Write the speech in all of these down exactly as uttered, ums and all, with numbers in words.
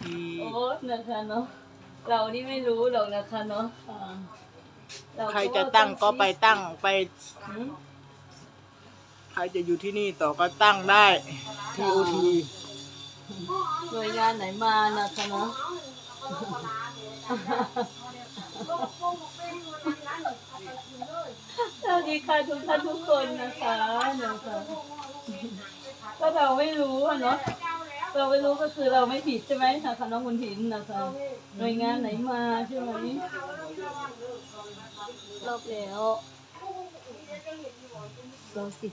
ทีโอ้นะคะเนาะเรานี่ไม่รู้หรอกนะคะเนาะใครจะตั้งก็ไปตั้งไปหืมใครจะอยู่ที่นี่ต่อก็ตั้งได้ ที โอ ทีหน่วยงานไหนมานะคะเนาะสวัสดีค่ะทุกท่านทุกคนนะคะนะคะก็เราไม่รู้อะเนาะเราไม่รู้ก็คือเราไม่ผิดใช่ไหมนะคะน้องคุณถินนะคะหน่วยงานไหนมาใช่ไหมรอบแล้วเราสิบ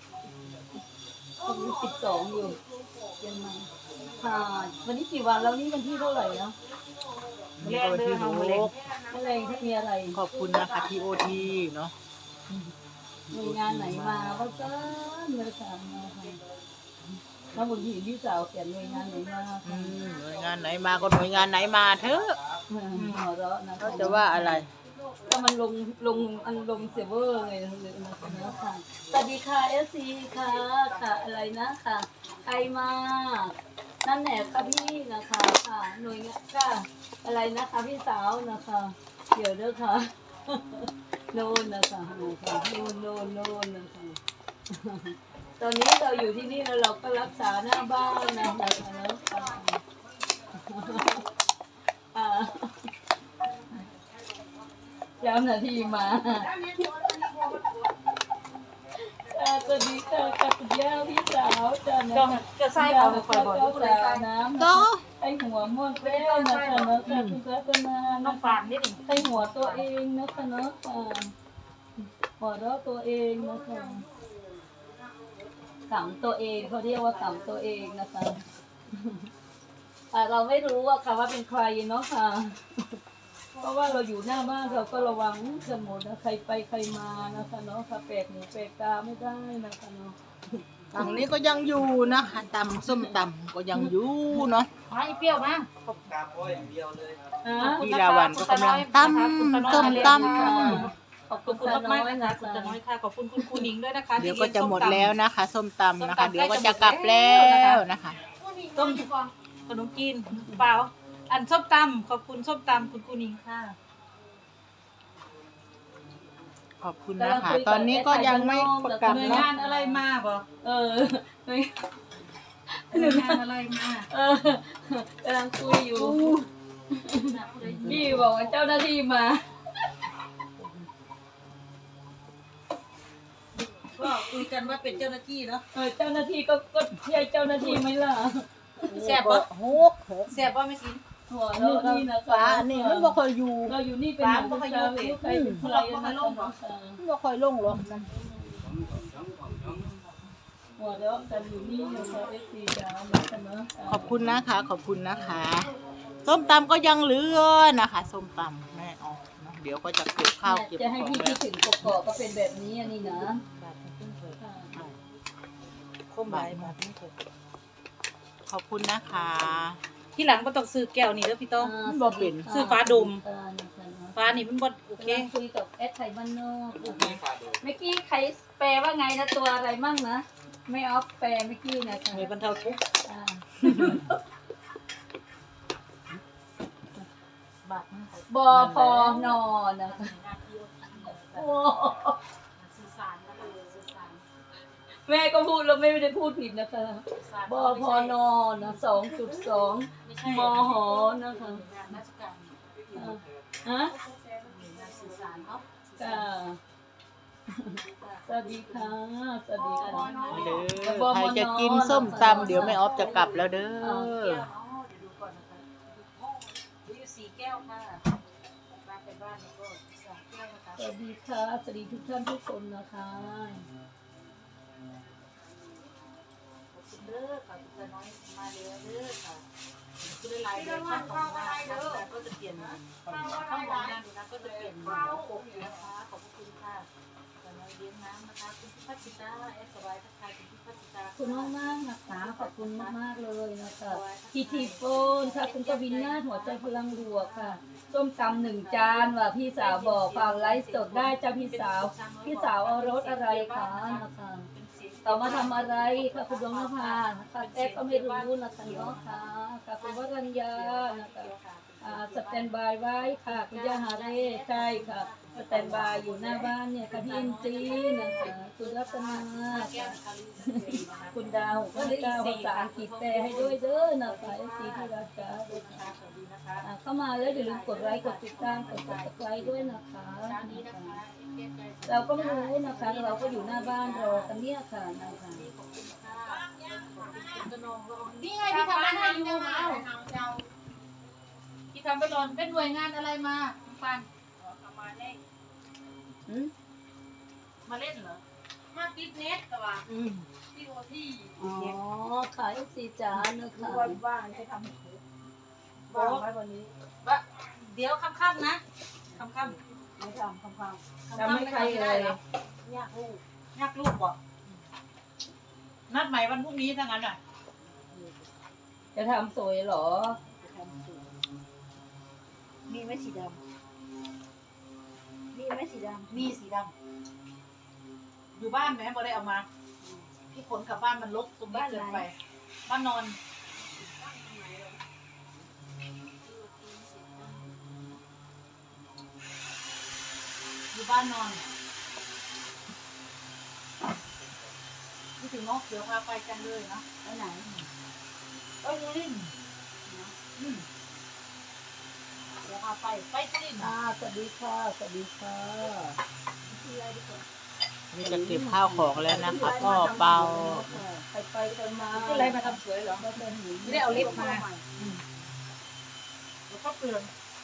วันนี้สิบสองอยู่ยังไงค่ะวันนี้กี่วันแล้วนี่วันที่เท่าไหร่เนาะนี่ก็วันที่หกอะไรที่มีอะไรขอบคุณนะคะ ที โอ ที เนาะหน่วยงานไหนมาก็จ้าเมื่อถามมาค่ะน้องบุญถีพี่สาวเขียนหน่วยงานไหนมาอืค่ะมหน่วยงานไหนมาก็หน่วยงานไหนมาเถอะหัวเราะนะเขาจะว่าอะไรก็มันลงลงอันลงเซเวอร์ไงเลยนะค่ะสวัสดีค่ะเอสซีค่ะค่ะอะไรนะค่ะใครมานั่นแหละค่ะพี่นะคะค่ะหน่วยงานค่ะอะไรนะคะพี่สาวนะคะเดี๋ยวเด้อค่ะโน่นนะคะโน่นค่ะโน่นโน่นโน่นนะคะตอนนี้เราอยู่ที่นี่แล้วเราก็รักษาหน้าบ้านนะคะแล้วค่ะอ่าย้ำนาทีมาสวัสดีค่ะกับคุณย่าพี่สาวจ้านะจะใส่เอาไปบ่อยๆจ้าน้ำก็ไอหัวม่วงแป้วนะคะเนาะค่ะคุณรัตนาน้องฝานนิดหนึ่งไอหัวตัวเองนะคะเนาะค่ะหัวเราะตัวเองนะคะขำตัวเองเขาเรียกว่าขำตัวเองนะคะเราไม่รู้ว่าค่ะว่าเป็นใครเนาะค่ะเพราะว่าเราอยู่หน้าบ้านเราก็ระวังกันหมดนะใครไปใครมานะคะเนาะค่ะแปลกหูแปลกตาไม่ได้นะคะเนาะฝั่งนี้ก็ยังอยู่นะคะตำส้มตำก็ยังอยู่เนาะไม่เปรี้ยวมากพี่ลาวันก็กำลังตำส้มตำขอบขคุอบณคุณค่ะมากน้อยๆนะนะคะ คะคุณตาน้อยค่ะขอบคุณคุณครูนิ้งด้วยนะคะเดี๋ยวที่ก็ลี้งจะหมดส้ตำแล้วนะคะส้มตำนะคะส้มตำเดี๋ยวก็ใกล้จะจะกลับหมดแล้แล้ว วนะคะต้มขนมจีนเปล่าอันส้มตำขอบคุณส้มตำคุณครูนิ้งค่ะขอบคุณนะคะ ตอนนี้ก็ยังไม่ประกาศหน่วยเนาะงานอะไรมาบ่เออหน่วยงานอะไรมาเออกำลังคุยอยู่พี่บอกว่าเจ้าหน้าที่มาก็คุยกันว่าเป็นเจ้าหน้าที่เนาะเออเจ้าหน้าที่ก็ก็ใช่เจ้าหน้าที่ไหมล่ะแซ่บบ่หกหกแซ่บบ่ไม่กินหัวเราะนี่นะคะฟ้าอันนี้มันบ่ค่อยอยู่เราอยู่นี่เป็นหนึ่งลูกค้าลูกใครเป็นใครนะคะมันบ่ค่อยลงหรอกนะหัวเราะกันอยู่นี่นะคะเอฟซีจ้านะคะเนาะขอบคุณนะคะ ขอบคุณนะคะส้มตำก็ยังเหลือนะคะส้มตำแม่ออกเนาะเดี๋ยวก็จะเก็บข้าวเก็บจะให้ของพี่แล้คิวดถึงกอกๆก็เป็นแบบนี้อันนี้นะคมใบบาทนี่เถอะขอบคุณนะคะที่หลังบ่ต้องซื้อแก้วนี่เด้อพี่โตบ่เป็นซื้อฟ้าดมเออนะคะเนาะฟ้านี่มันบ่โอเคกำลังคุยกับแอดไทยบ้านนอกนะคะเมื่อกี้ใครแปลว่าไงนะตัวอะไรมั่งนะไม่ออฟแปลเมื่อกี้นะคะหน่วยบรรเทาทุกข์อ่าบาทนี่บอพอนอนะคะโอ้แม่ก็พูดแล้วไม่ได้พูดผิดนะคะบอพอนอนะสองจุดสองมหนะคะราชการอ่าฮะสื่อสารเนาะจ้าสวัสดีค่ะสวัสดีค่ะเด้อใครจะกินส้มตำเดี๋ยวแม่ออฟจะกลับแล้วเด้อแก้วเนาะเดี๋ยวดูก่อนนะคะมีอยู่สี่แก้วค่ะมาเป็นบ้านนี่ก็สามแก้วนะคะสวัสดีค่ะสวัสดีทุกท่านทุกคนนะคะขอบคุณเด้อค่ะคุณตาน้อยมาแล้วเด้อค่ะคือหลายๆเดือนข้างของงานก็จะเปลี่ยนข้างของงานดูนะก็จะเปลี่ยนหัวปกนะคะขอบคุณค่ะตาน้อยเลี้ยงน้ำนะคะคุณพิพัฒน์ตาแอสบายทักทายคุณพิพัฒน์ตาขอบคุณมากมากๆนะคะขอบคุณมากมากๆเลยนะคะทีทีโฟนค่ะคุณกวินนาถหัวใจพลังบวกค่ะส้มตำหนึ่งจานว่ะพี่สาวบอกฟังไลฟ์สดได้จ้าพี่สาวพี่สาวเอารสอะไรคะนะคะเป็นเสียงตเขามาทำอะไรค่ะคุณดวงนภาค่ะแอ๊กก็ไม่รู้นะคะเนาะค่ะค่ะคุณวรัญญานะคะอ่าสแตนบายไว้ค่ะคุณย่าฮาเร่ใช่ค่ะสแตนบายอยู่หน้าบ้านเนี่ยค่ะพี่เอ็นจีนะคะคุณรัตนาค่ะคุณดาวคุณดาวภาษาอังกฤษแปลให้ด้วยเด้อนะคะเอฟซีที่รักจ้าอ่าเข้ามาแล้วอย่าลืมกดไลค์กดติดตามกด subscribe ด้วยนะคะเราก็ไม่รู้นะคะ เราก็อยู่หน้าบ้านรอกันเนี่ยค่ะนะคะนี่ไงพี่ทำให้ยูมาพี่ทำไปหล่นเป็นหน่วยงานอะไรมาปันอืมมาเล่นเหรอ มาติดเน็ตแต่ว่าอืมที่โอที่อ๋อขายสีจานนะคะวันว่างให้ทำว่างไว้วันนี้ว่าเดี๋ยวค่ำๆนะค่ำๆไม่ทำค่ำๆทำให้ใครเลยยากลูกยากลูกบ่นัดใหม่วันพรุ่งนี้ถ้างั้นอ่ะจะทำสวยเหรอมีไหมสีดำมีไหมสีดำมีสีดำอยู่บ้านไหมบ่ได้เอามาพี่ขนกลับบ้านมันลกตรงนี้เกินไปบ้านนอนอยู่บ้านนอนนี่ถึงเนาะเดี๋ยวพาไปกันเลยนะไปไหนไปสุรินทร์อืมเดี๋ยวพาไปไปสุรินทร์อ่าสวัสดีค่ะสวัสดีค่ะนี่จะเก็บข้าวของแล้วนะคะก็เบาไปไปกันมาก็อะไรมาทำสวยเหรอก็เป็นหนีไม่ได้เอาลิฟต์มาแล้วก็เปลือง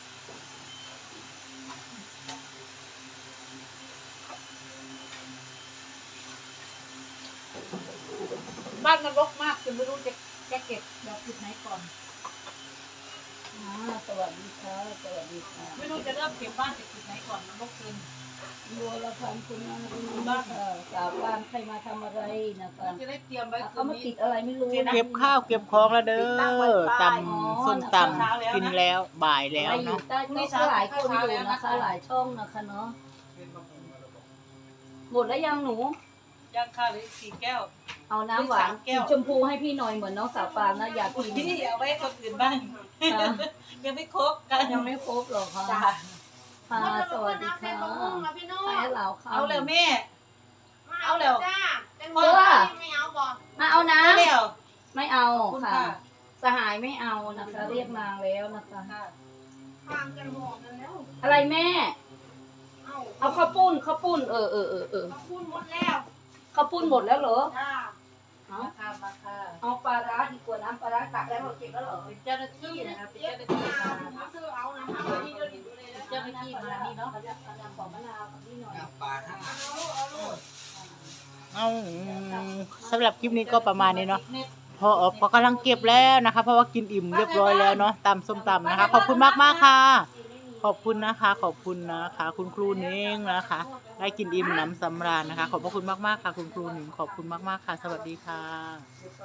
บ้านมันรกมากจนไม่รู้จะจะเก็บดอกจุดไหนก่อนอ่าสวัสดีค่ะสวัสดีค่ะไม่รู้จะเริ่มเก็บบ้านจากจุดไหนก่อนมันรกเกินบัวละพันคุณนาคุณบ้านค่ะสาวบ้านใครมาทำอะไรนะคะจะได้เตรียมไว้คืเขานมานี้ติดอะไรไม่รู้นะเก็บข้าวเก็บของแล้วเด้อตำส้มตำกินแล้วบ่ายแล้วไปอยู่เนาะใต้ก็หลายคนอยู่นะคะ หลายช่องนะคะเนาะหมดแล้วยังหนูย่างข้าวเลยสี่แก้วเอาน้ำหวานสามแก้วสีชมพูให้พี่หน่อยเหมือนน้องสาวปานนะอยากกินพี่เอาไว้ให้คนอื่นบ้างค่ะยังไม่ครบกันยังไม่ครบหรอกค่ะจ้าค่ะสวัสดีค่ะให้เราค่ะเอาแล้วแม่ เอาแล้วเพื่อมาเอานะเอาแล้วไม่เอาขอบคุณค่ะค่ะสหายไม่เอานะคะ เรียกนางแล้วนะคะค่ะอะไรแม่ เอาข้าวปุ้นข้าวปุ้นเออเออเออเออพูดหมดแล้วข้าวปุ้นหมดแล้วเหรอจ้าเอามาค่ะมาค่ะเอาปลาร้าดีกว่าน้ำปลาร้าตักแล้วเราเก็บแล้วเหรอเป็นเจ้าหน้าที่นะคะเป็นเจ้าหน้าที่มาเจ้าหน้าที่มานี่เนาะของมะนาวกับนี่หน่อยเอาสำหรับคลิปนี้ก็ประมาณนี้เนาะพอพอกำลังเก็บแล้วนะคะ เพราะว่ากินอิ่มเรียบร้อยแล้วเนาะตำส้มตำนะคะ ขอบคุณมากมากๆค่ะ ขอบคุณนะคะ ขอบคุณนะคะ คุณครูเน้งนะคะ ได้กินอิ่มหนำสำราญนะคะ ขอบพระคุณมากๆค่ะ คุณครูหนิงขอบคุณมากๆค่ะ สวัสดีค่ะ